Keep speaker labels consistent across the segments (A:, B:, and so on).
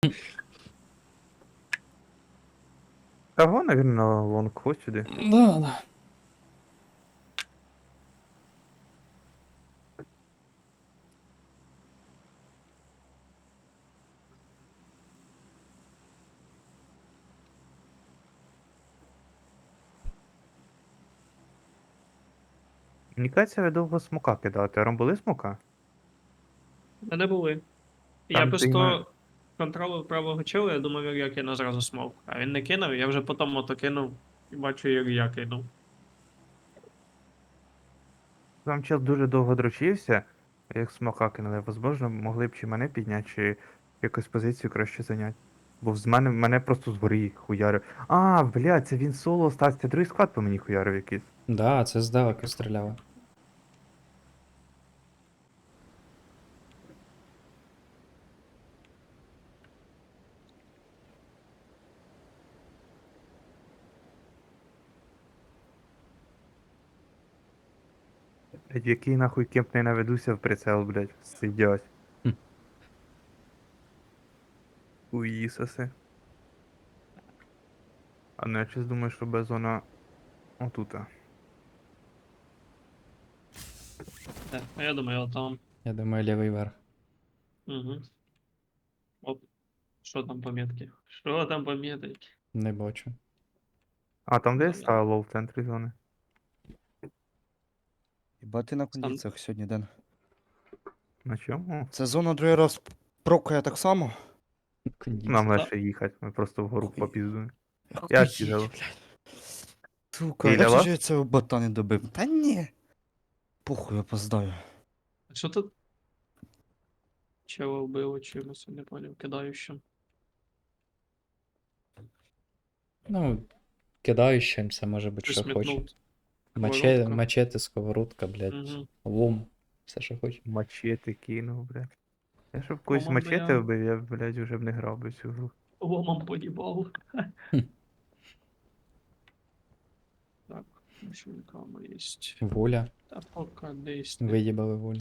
A: Того, наверное, лонг ходь сюди.
B: Да, да.
A: Мені кажеться, ви довго смока кидати. Ром були смока?
C: Не були. Я
A: Там
C: просто контролив правого чола, я думав, як я кину зразу смок. А він не кинув, я вже потім ото кинув і бачу, як я кинув.
A: Там чел дуже довго дрочився, як смока кинули. Возможно, могли б чи мене підняти, чи якусь позицію краще зайняти. Бо мене просто згорі хуярив. А, блядь, це він соло остався. Другий склад по мені хуярив якийсь.
B: Да, це здалеку стріляло.
A: Блядь, в який нахуй кемп не наведуся в прицел, блядь. Сидять.
B: Хм.
A: Уїсоси. А ну я щось думаю, що без зона отута.
C: Так, а я думаю, отам.
B: Я думаю, лівий верх.
C: Угу. Оп. Що там по метки? Що там по метки?
B: Не бачу.
A: А, там де я
C: Там я.
A: ставив лоу в центрі зони.
D: Хіба ти на
C: Сам-
D: кондиціях сьогодні, Ден?
A: На чому?
D: Це зона другий раз прокає так само?
B: Кондіція.
A: Нам
C: Да.
A: легше їхати, ми просто вгору
D: Охуєть.
A: попіздуємо. Я
D: Охуєть,
A: кидав.
D: блядь. Сука,
A: Біля
D: як
A: вас?
D: же я цього бота не добив? Та ні. Похуй, опоздаю.
C: А що тут? Чого вбило чимось, я не поняв, кидаючим.
B: Ну, кидаючим це може бути,
C: Щось
B: що хоче.
C: метнув. Сковородка.
B: Мачете, сковородка, блядь,
C: Угу.
B: лом. Все, що хоче.
A: Мачете кинув, блядь. Я щоб когось
C: Ломом би
A: мачете
C: я-
A: вбив, я, блядь, вже б не грав би цю гру.
C: Ломом поїбав.
B: Хм.
C: Так, що там є.
B: Воля.
C: Та пока десь.
B: Виїбали волю.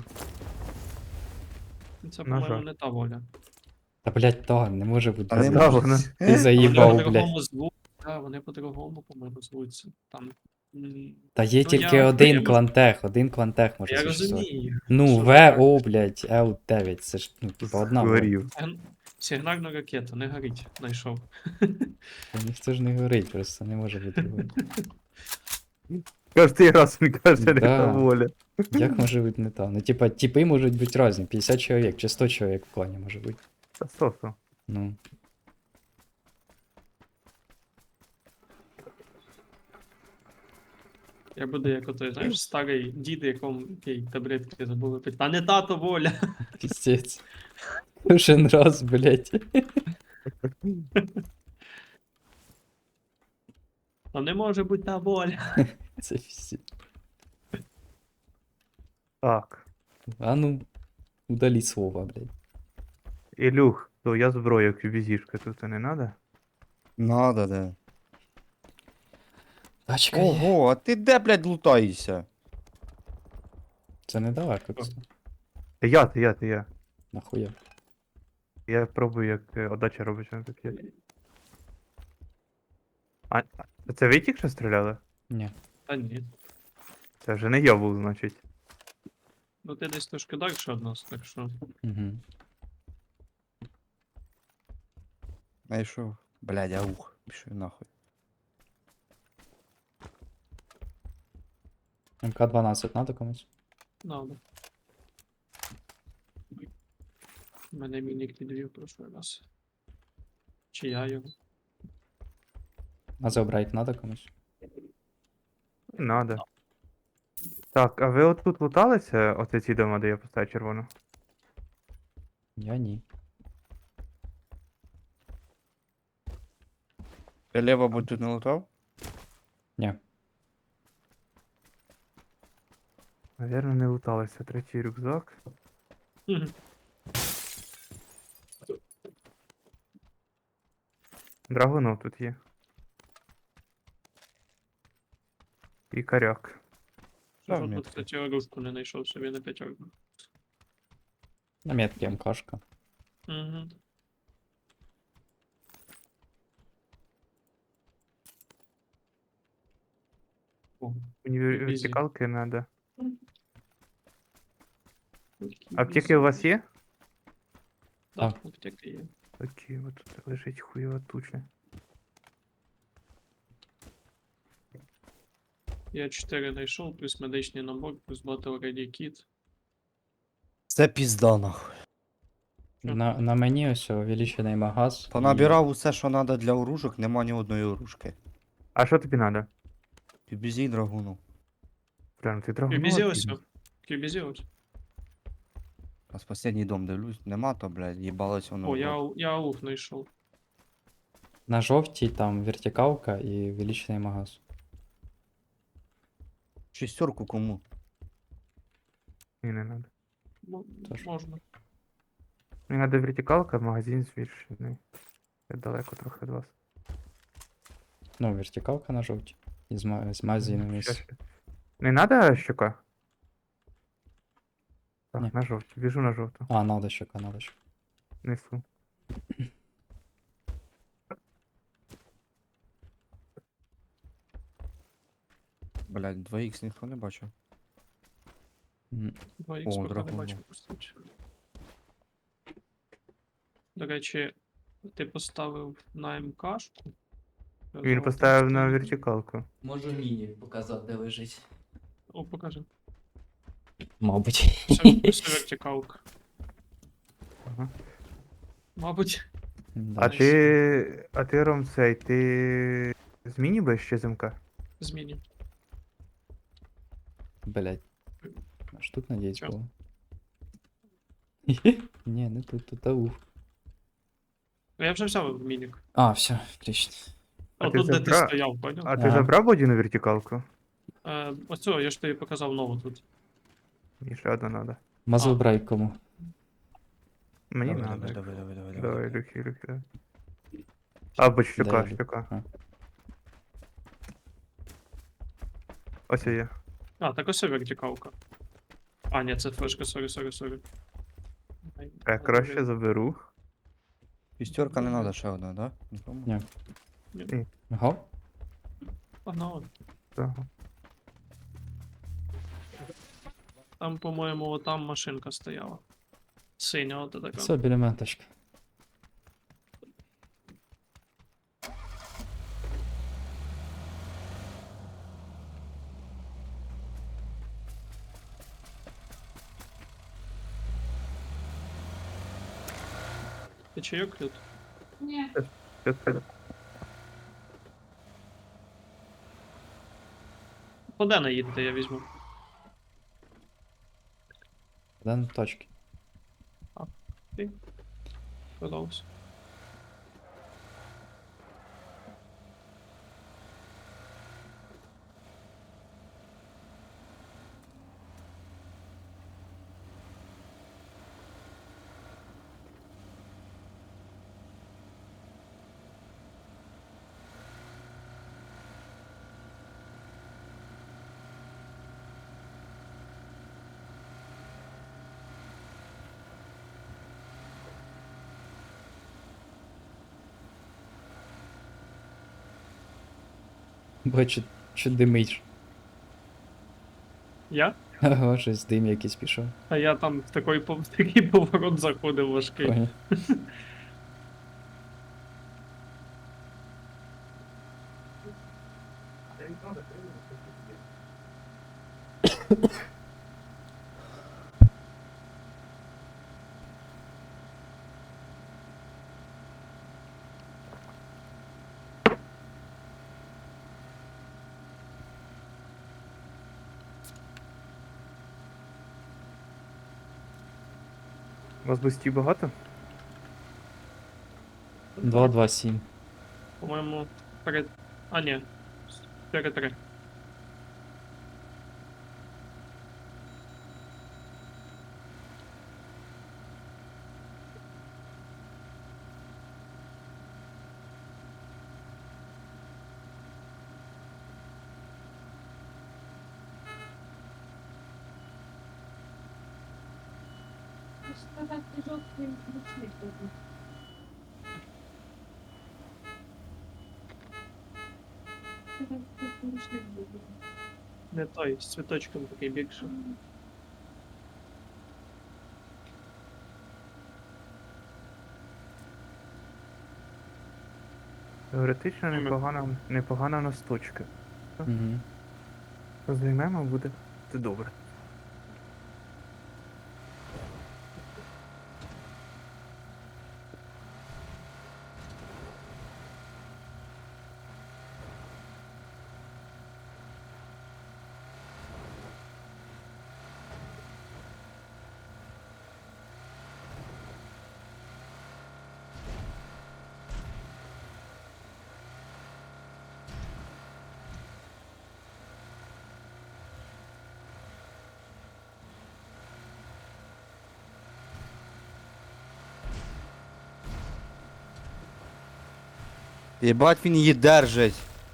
C: Це,
A: На
C: по-моєму,
A: жаль.
C: не та воля.
B: Та, блядь, та, не може бути.
D: А не
A: Да,
D: може.
A: вона.
B: Ти
C: Вони
B: заїбав, блядь.
C: по-другому звуть. Так, вони по-другому, по-моєму, звуться. Там.
B: Та є
C: Ну,
B: тільки
C: я-
B: один
C: я-
B: клантех може
C: Я
B: существувати.
C: розумію.
B: Ну,
C: що так.
B: ВО, блядь, Л9, це ж, ну, типа, одна воля.
A: Згорів.
C: Сигнальну ракету, не горить, знайшов.
B: Та ніхто ж не говорить, просто не може бути другою.
A: Кожний раз він каже, не
B: Да.
A: та воля.
B: Як може бути не та? Ну, типа, типи можуть бути різні, 50 чоловік чи 100 чоловік в клані може бути.
A: Та сосо.
B: Ну.
C: Я буду як отой, знаєш, старий дід, який таблетки забули пити. Та не тато воля.
B: Піздець. Кожен раз, блядь.
C: Та не може бути та воля.
B: Це піздець.
A: Так.
B: А ну, удалі слова, блядь.
A: Ілюх, то я зброю, QBZ-шка, тут не надо?
D: Надо, Ден.
B: Тачка є.
D: Ого, а ти де, блядь, лутаєшся?
B: Це недалеко, це.
A: Я.
B: Нахуя.
A: Я пробую, як отдача робиться на таке. А це ви тільки що стріляли?
B: Ні.
C: Та ні.
A: Це вже не я був, значить.
C: Ну ти десь трошки далі від нас, так що.
B: Угу.
D: Знайшов. Блядь, аух. Пішов нахуй.
B: МК-12 надо комусь?
C: Надо. У мене мінік підвів прошлий раз. Чи я його?
B: А забрать надо комусь?
A: Не надо. Так, а ви отут луталися? Оце ці дома, де я поставив червону?
B: Я ні.
D: Ти лево будь тут не лутав?
B: Ні.
A: Навірно, не луталися. Третій рюкзак.
C: Мгм.
A: Драгунов тут є. І коряк.
D: Та,
C: Жодну,
D: метки.
C: кстати, оружку не знайшов собі на п'ятерку.
B: На метки МКшка.
C: Угу. О,
A: Мені
C: Ізі.
A: вертикалки треба.
C: які
A: Аптеки у вас є?
C: Так, аптеки є.
A: Окей, от тут лежить хуйова туча.
C: Я 4 знайшов, плюс медичний набор, плюс Battle Ready Kit.
D: Це пізда нахуй.
B: На мені ось увеличений магаз.
D: Понабирав усе, що треба для оружок, нема ні одної оружки.
A: А що тобі треба?
D: Бізій драгуну.
A: Прям ти драгонова
C: QBZ ось.
A: підеш.
C: QBZ ось.
D: А з останній дом дивлюсь, нема то, блядь, їбалось воно.
C: О,
D: в рот.
C: я ауф знайшов.
B: На жовтій там вертикалка і увеличений магаз.
D: Шістерку кому?
A: Ні, не треба.
B: Тож.
C: Можна.
A: Мені треба вертикалка, магазин збільшений. Я далеко трохи від вас.
B: Ну, вертикалка на жовтій. І з магазином
A: Ща,
B: із.
A: ща. Не треба щука? Так,
B: Ні.
A: на жовту. Біжу на жовту.
B: А, надо щека, надо щека.
A: Несу.
D: Блядь, 2х ніхто не бачив.
B: М,
C: 2х
D: О,
C: поки не
D: драгун,
C: бачив, кстати. До речі, ти поставив на МКшку.
A: Він поставив на вертикалку.
B: Можу міні показати, де лежить.
C: О, покажи.
B: Мабуть.
C: Все вертикалка.
A: Ага.
C: Мабуть.
B: Да.
A: А ти, Ром, цей, ти зміні будеш ще замка?
C: Зміню.
B: Блять. Аж тут надіюсь
C: Чо?
B: було. Ні, не тут, тут ауф.
C: Я вже взяв мінік.
B: А, все, отлично.
A: А
C: О,
A: ти
C: тут, де ти
A: забрав?
C: стояв, поняв?
A: А ти
B: Ага.
A: забрав бодіну вертикалку?
C: Оцю, я ж тобі показав нову тут.
A: Мені ще одна треба.
B: Мазл
C: А.
B: брайк кому?
A: Мені
D: Давай,
A: треба.
D: давай, давай, давай, давай,
A: Давай,
D: давай.
A: люхи, давай. Або
B: Дай
A: щука,
B: я
A: щука.
B: А.
A: Ось є.
C: А, так ось вертикалка. А, ні, це флешка, сорі.
A: Я краще заберу.
D: Шістерка не треба ще одна, да? Нікому?
B: Ні. Ага.
C: Погнали.
A: Так.
C: Там, по-моєму, там машинка стояла. Синя, от така.
B: Все, біля мене тачка.
C: Ти чайок тут?
A: Щас піду.
C: Куди не їдете, я візьму.
B: Де на точки?
C: Продовжуй.
B: Бачу, що димить.
C: Я?
B: Ага, щось дим якийсь пішов.
C: А я там в такий поворот заходив важкий.
B: Понял.
A: У вас бустів багато?
B: 227.
C: По-моєму, перед. А, ні. 4-3. Не той, з цвіточком такий більше.
A: Теоретично
C: Ми-
A: непогана в нас точка.
B: Угу.
A: Займемо буде. Це добре.
D: Єбать він її держить.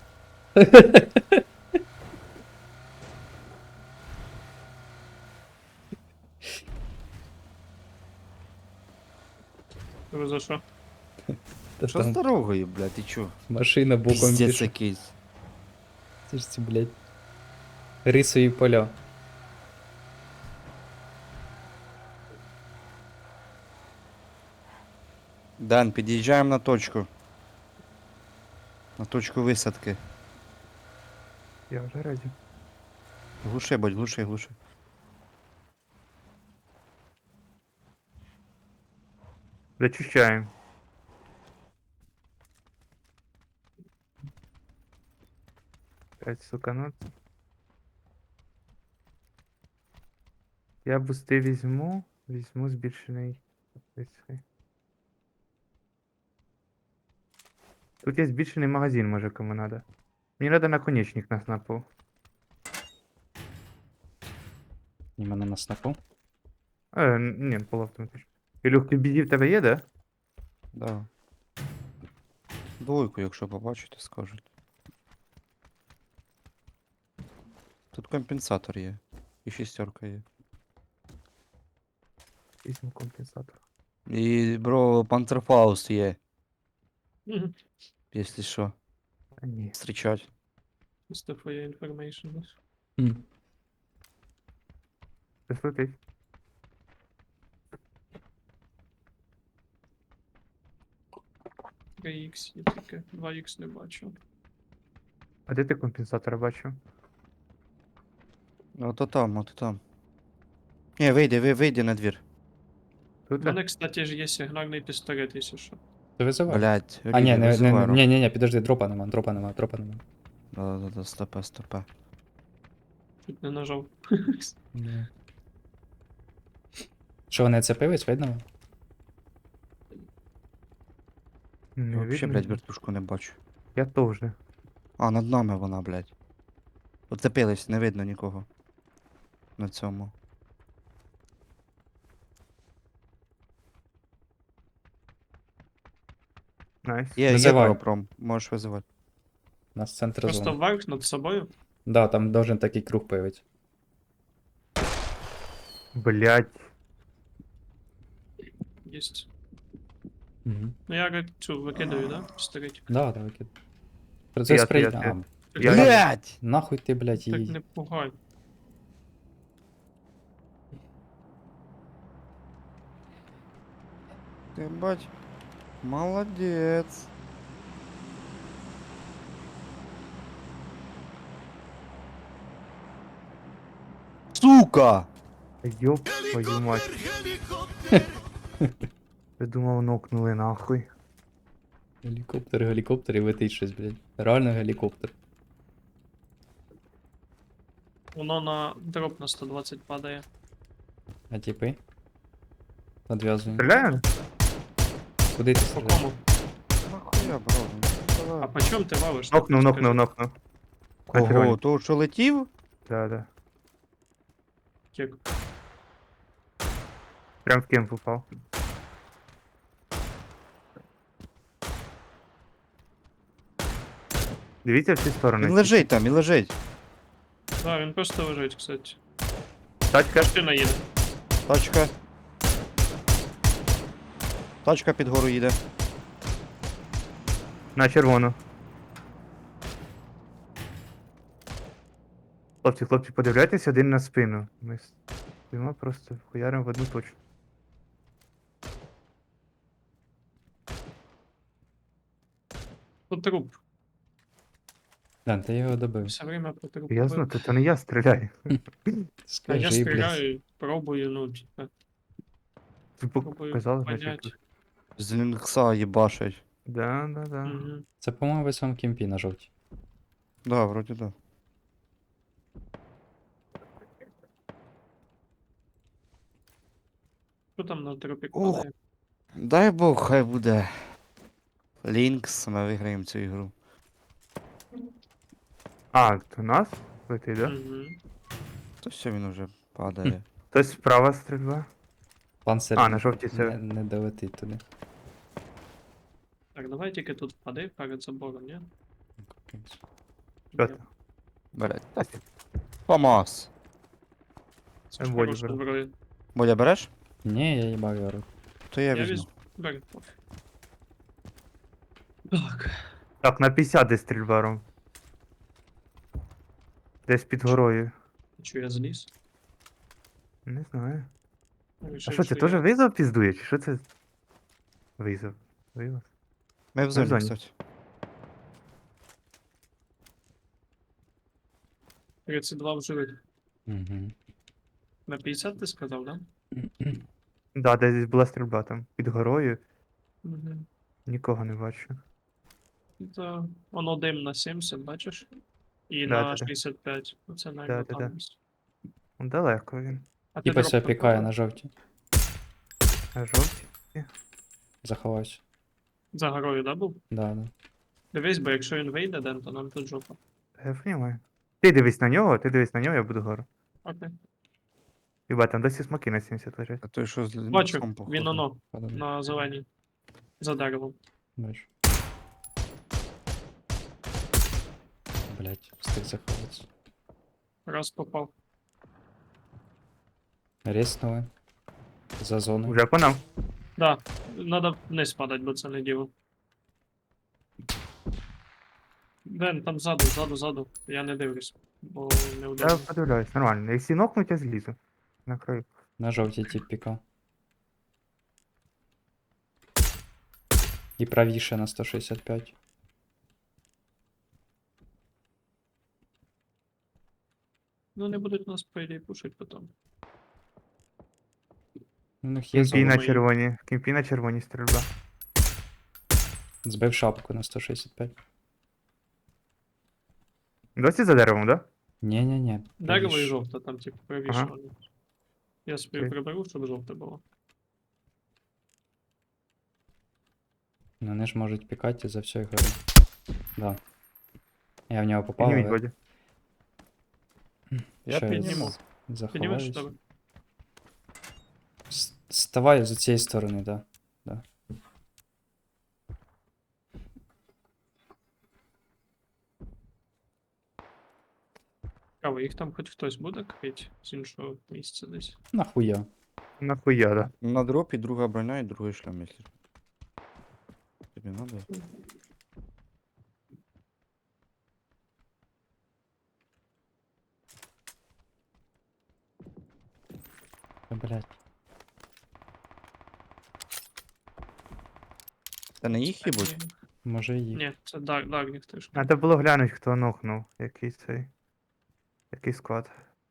C: Ви за що?
B: Та
D: Що з
B: там
D: дорогою, блядь, ти чо?
B: машина боком
D: Піздець
B: пішла.
D: якийсь.
B: Це ж ці, блядь. Рисові поля.
D: Дан, під'їжджаємо на точку. На точку висадки.
A: Я вже раді.
D: Глуши, будь, глуши, глуши.
A: Зачищаємо. П'ять, сука, ну. Я бусти візьму. Візьму збільшений. Цей. Тут є збільшений магазин, може кому надо. Мені надо наконечник на снапу.
B: І мене на снапу.
A: Ні, полуавтоматично. Ілюх, ти бізі в тебе є, да?
D: Да. Двойку, якщо побачите, скажуть. Тут компенсатор є. І шістерка є.
A: Візьму компенсатор.
D: І, бро, Панцерфауст є,
C: Мгм.
D: якщо що.
A: А ні.
D: Встрічать.
C: Просто for your information.
B: М.
A: Щось летить.
C: Три х є таке, 2х не бачу.
A: А де ти компенсатора бачив?
D: Ото там, ото там. Ні, вийди на двір.
A: Тут?
C: У мене, кстати, ж є сигнальний пістолет, якщо що.
B: Ти визивай.
D: Блять,
B: А, ні, ні, підожди, дропа нема.
D: Да, стопе.
C: Чуть не нажав.
B: Ні. Що, вони цепились, видно?
A: Не
D: Вообще,
A: видно.
D: блять, вертушку не бачу.
A: Я теж.
D: А, над нами вона, блять. Оцепились, не видно нікого. На цьому.
A: Найс.
D: Є
B: Визивай.
D: пропром, можеш визивати.
B: У нас центр
C: Просто
B: зони.
C: вверх над собою.
B: Да, там должен такий круг появитися.
A: Блять.
C: Єсть.
B: Угу.
C: Ну я цю викидаю, да? Пістолетик.
B: Да, викид. Процес
A: Я-
B: прийняв.
A: я-
B: А,
A: Я-
D: Блять!
B: нахуй ти, блядь,
C: Так
B: її.
C: не пугай.
D: Ти бать. Молодець. Сука!
A: Ёб твою мать. Я думав, нокнули нахуй.
B: Гелікоптер і летить щось, блядь. Реально гелікоптер.
C: Воно на дроп на 120 падає.
B: А типи? Одв'язуємо.
A: Стріляємо?
B: Куди ти
C: По
B: стріляєш?
C: кому?
D: Нахуя, бро? Ну,
C: А
D: давай.
C: по чому ти валиш?
A: Нокнув.
D: Кого? Того, що летів?
A: Да.
C: Кек.
A: Прям в кемп упав. Дивіться всі сторони.
D: Він лежить там, він лежить.
C: Да, він просто лежить, кстати.
A: Тачка.
C: Машина їде.
D: Тачка. Тачка під гору їде.
A: На червону. Хлопці, подивляйтесь один на спину. Ми стоїмо просто хуяримо в одну точку.
C: Тут труп.
B: Дан, ти його добив.
C: Все время по трупу.
A: Я знаю, то не я стріляю.
C: А я
B: Скажи, блядь.
C: стріляю, пробую, ну, типа,
A: Ти
C: пробую
A: показав,
C: понять.
A: значить.
D: З лінкса їбашать.
A: Да.
C: Угу.
B: Це, по-моєму, в цьому кімпі на жовтій.
D: Да, вроді да.
C: Що там на трупі
D: Ух.
C: падає?
D: Дай Бог, хай буде. Лінкс, ми виграємо цю ігру.
A: А, то нас летить, да?
C: Угу.
D: То все, він уже падає.
A: Хтось справа стрільба.
B: Панцир
A: А, на жовтій
B: не,
A: це.
B: не долетить туди.
C: Так, давай тільки тут впади перед забором, ні?
A: Що там?
D: Бере. Помас.
C: Це ж
A: Волі
C: хороша
A: беру.
C: зброя.
D: Боля, береш?
B: Ні, я їбав його рот.
D: То я
C: Я
D: візьму.
C: візьму. Бери, пофіг. Так.
A: Так, на 50 десь стрільба, Ром. Десь під горою.
C: Чо я зліз?
A: Не знаю. А
C: Рішив,
A: що, це
C: я-
A: теж визов піздує, чи що це? Визов. Визов.
D: Ми в зоні,
A: зоні.
D: кстати.
C: 32 в живих.
B: Угу.
C: На 50 ти сказав, да?
A: Да, десь була стрільба там. Під горою.
C: Угу.
A: Нікого не бачу.
C: Це воно дим на 70, бачиш? І
A: Да,
C: на
A: да, да.
C: 65. Оце
A: Да,
C: навіть
A: да,
C: там.
A: да. Ну, далеко він.
C: А ти
B: Типа
C: дроп
B: себе
C: там
B: пікає
C: брав?
B: на жовтій.
A: А жовті?
B: Заховався.
C: За горою, да, був?
B: Да.
C: Дивись, бо якщо він вийде, Ден, то нам тут жопа.
A: Я розумію. Ти дивись на нього, я буду гору.
C: Окей.
A: Хіба там досі смоки на 70 лежать.
D: А той, що з
C: Бачу,
D: лінксом, походу.
C: він оно,
B: Подобно.
C: на зеленій. За деревом.
B: Бачу. Блять, встиг заховатися.
C: Раз попав.
B: Ріснули. За зоною.
A: Уже по нам.
C: Да, надо вниз падать, бо це не діло. Ден, там ззаду. Я не дивлюсь, бо не
A: Я
C: удобно.
A: подивляюсь, нормально. Якщо нокнуть, я злізу. На краю.
B: На жовтій тип пікав. І правіше на 165.
C: Ну не будуть нас, по ідеї, пушить потім.
B: У них є
A: Кімпі
B: зона.
A: на
C: мої.
A: червоні. Кімпі на червоні стрільба.
B: Збив шапку на 165.
A: Досі за деревом, да?
B: Ні-ні-ні.
C: Дерево і
B: правіше.
C: жовте, там, типу, правіше.
A: Ага.
C: вони. Я собі
A: Окей.
C: приберу, щоб жовте було.
B: Ну, вони ж можуть пікати за всю ігру. Да. Я в нього попав,
A: Підніміть,
B: але
A: Бодя.
D: Я
B: ще
D: підніму.
C: Піднімеш
B: заховаюсь.
C: тебе?
B: Ставай з цієї сторони, да.
C: Цікаво, їх там хоч хтось буде крить з іншого місця десь.
B: Нахуя.
A: Нахуя, да.
D: На дропі друга броня і другий шлем, якщо. Тобі надо?
B: Та, блядь.
D: Це не їх їбуть?
B: Може і.
C: Ні, це Дарніх теж.
A: Треба було глянути, хто нокнув. Який цей. Який склад.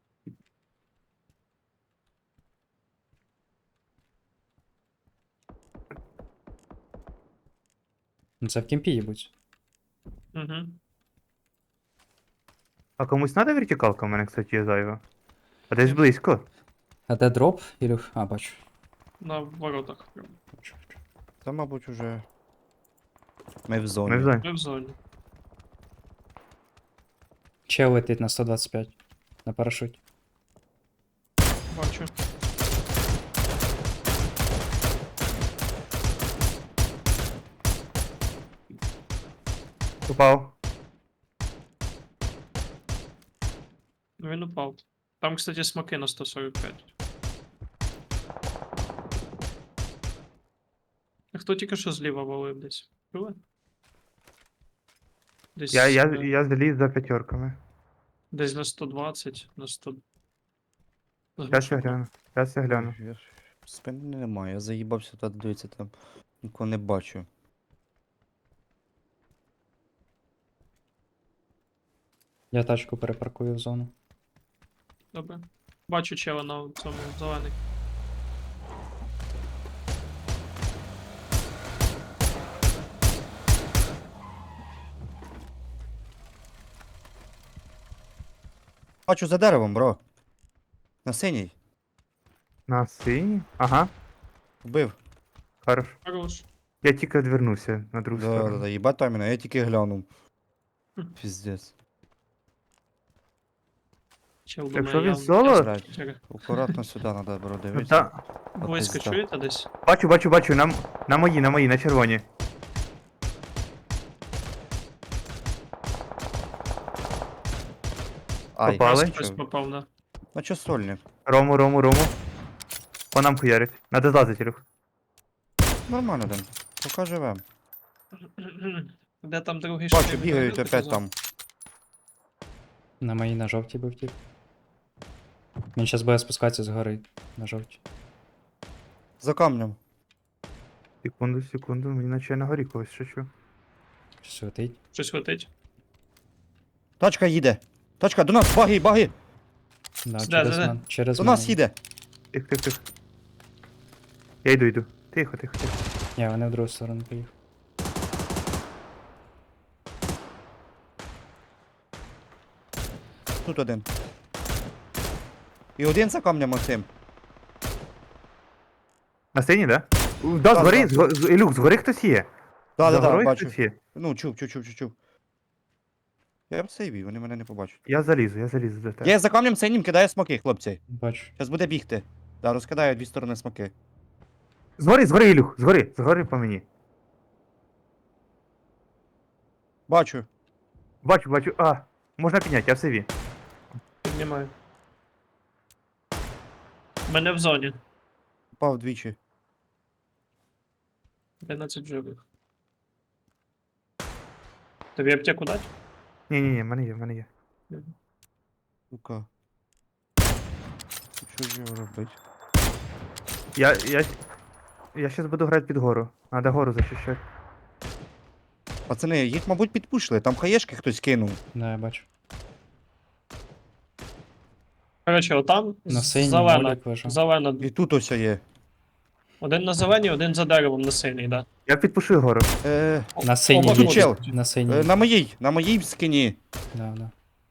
B: Ну це в кімпі їбуть.
C: Угу.
A: А комусь треба вертикалка? У мене, кстати, є зайва. А десь близько.
B: А де дроп? Ілюх? А, бачу.
C: На воротах. прям.
B: Бачу.
D: Та, мабуть, уже. Ми в зоні.
A: Ми в зоні.
C: Ми в зоні.
B: Чел летить на 125. На парашуті.
C: Бачу.
A: Упав.
C: Він упав. Там, кстати, смоки на 145. А хто тільки що зліва валив десь? Чули? Десь.
A: Я заліз за п'ятерками.
C: Десь на 120, на 100.
A: Зараз я гляну. Зараз я гляну.
D: Я ж- Спини немає, я заїбався та дивитися там. Нікого не бачу.
B: Я тачку перепаркую в зону.
C: Добре. Бачу чела на цьому зелений.
D: Бачу за деревом, бро. На синій.
A: На синій? Ага,
D: Вбив.
A: хорош.
C: Хорош.
A: Я тільки відвернувся на другу
D: Да, да,
A: сторону.
D: да, їбать там мене, я тільки глянув.
C: Хм.
D: Піздець.
C: Чел
A: Якщо
C: думає,
A: він соло,
D: Блядь, акуратно сюди треба, бро,
A: ну
D: дивитися.
A: та.
C: Близько
D: пизда.
C: чуєте десь?
A: Бачу, на мої, на червоні.
D: Ай,
A: Попали?
C: Хтось попав, да.
D: на чо сольник?
A: Рому. По нам хуярить. Надо злазити, Ілюх.
D: Нормально, Ден. Поки живем.
C: Де там другий
D: Бачу,
C: шрифт?
D: бігають
C: Ти
D: опять
C: казав?
D: там.
B: На моїй на жовтій був тип. Він зараз буде спускатися з гори. На жовтій.
D: За камнем.
A: Секунду, мені наче на горі когось шучу.
B: Щось летить.
C: Щось летить.
D: Тачка їде. Тачка, до нас, баги, баги.
B: Да,
C: Де,
B: через
C: де?
B: мен. Через
D: До нас
B: мене.
D: їде.
A: Тих. Я йду. Тихо.
B: Ні, вони в другу сторону поїхали.
D: Тут один. І один за камнем Максим.
A: На синій, да? Да,
D: Да,
A: згори,
D: да.
A: Ілюх, згори хтось є.
D: Да,
A: За
D: да, да,
A: горою
D: бачу.
A: хтось є.
D: Ну, чув. Я в сейві, вони мене не побачать.
A: Я залізу до тебе.
D: Я за камнем синім кидаю смоки, хлопці.
B: Бачу.
D: Зараз буде бігти. Да, розкидаю дві сторони смоки.
A: Згори, Ілюх, згори по мені.
D: Бачу.
A: Бачу, можна підняти, я в сейві.
C: Піднімаю. Мене в зоні.
D: Впав двічі.
C: 11 живих. Тобі аптеку дать?
A: Ні, в мене є.
D: Сука. Що ж його робити?
A: Я щас буду грати під гору. Надо гору захищати.
D: Пацани, їх, мабуть, підпушили. Там хаєшки хтось кинув.
B: Да, я бачу.
C: Коротше, отам
B: На синій
C: зелена.
B: молік лежав.
C: Зелена.
D: І тут ось є.
C: Один на зеленій, один за деревом на синій, да.
A: Я підпушую гору.
B: На синій
C: бачу,
B: їде.
D: чел.
B: На синій.
D: На моїй скині.
B: Да.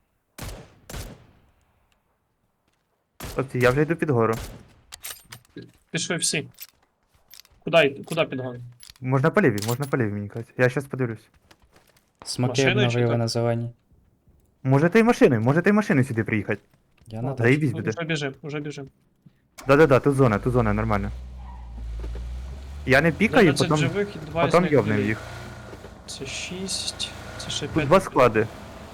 A: Хлопці, я вже йду під гору.
C: Пішли всі. Куди підгон?
A: Можна по лівій, мені кажуть. Я щас подивлюсь.
B: Смоки
C: Машиною чи
B: обновили
C: так?
B: на зеленій.
A: Можете і машиною сюди приїхати.
B: Я на
C: Ну,
B: тачці.
A: Заїбісь буде.
C: Уже біжим.
A: Да, тут зона, нормально. Я не пікаю,
C: 12
A: потім
C: живих і 2 з них
A: йобнем
C: живі.
A: їх.
C: Це 6, це ще
A: Тут
C: 5.
A: два склади.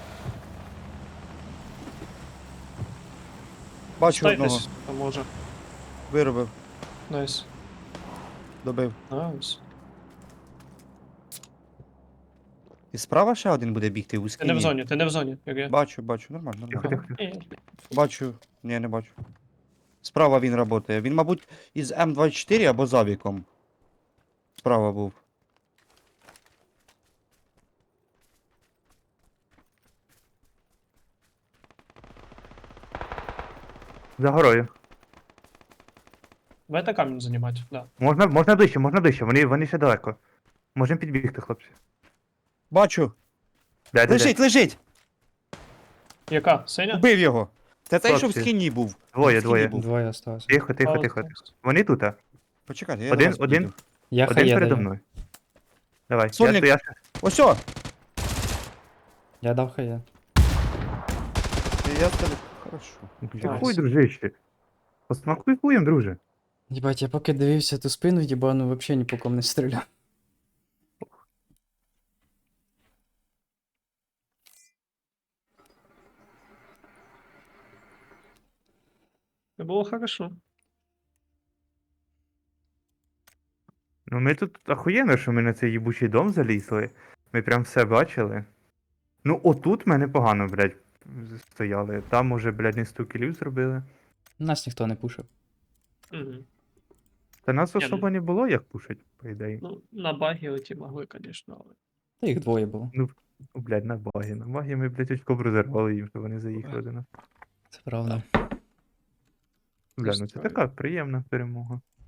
D: Бачу одного.
C: Стайтесь, поможе.
D: Виробив.
C: Найс.
D: Добив.
C: Найс.
D: І справа ще один буде бігти у
C: Ти
D: скині.
C: не в зоні, як я.
D: Бачу, нормально.
A: Тихо.
C: Ні,
D: Бачу. Ні, не бачу. Справа він працює. Він, мабуть, із М24 або з авіком. Справа був.
A: За горою.
C: Давайте камінь займати, да.
A: Можна ближче, вони ще далеко. Можемо підбігти, хлопці.
D: Бачу.
A: Де.
D: Лежить!
C: Яка? Синя?
D: Убив його. Це цей, що в
A: Хлопці.
D: скині був.
A: Двоє,
D: В скині
A: двоє.
D: був.
B: Двоє осталось.
A: Тихо. Вони тут, а?
D: Почекайте, я
A: Один-
D: до вас
A: один.
D: піду.
B: Я
A: Один
B: хає
A: передо
B: даю.
A: мною. Давай,
D: Сольник.
A: я
D: Ось о!
B: Я дав хає.
D: Я тебе... Хорошо.
C: Найс.
A: Хуй, дружище. Посмакуй хуєм, друже.
B: Єбать, я поки дивився ту спину, єбану, вообще ні по ком не стріляв.
C: Це було хорошо.
A: Ну ми тут ахуєнно, що ми на цей їбучий дом залізли. Ми прям все бачили. Ну отут мене погано, блядь. стояли. Там уже, блядь, не 100 кілів зробили.
B: Нас ніхто не пушив.
C: Угу.
A: Та нас
C: Ні,
A: особо не було, як пушить, по ідеї.
C: Ну, на багі оті могли, звісно, але.
B: Та їх двоє було.
A: Ну, блядь, на багі. На багі ми, блядь, очко б розірвали їм, щоб вони заїхали до нас.
B: Це правда.
A: Бля, ну це така приємна перемога.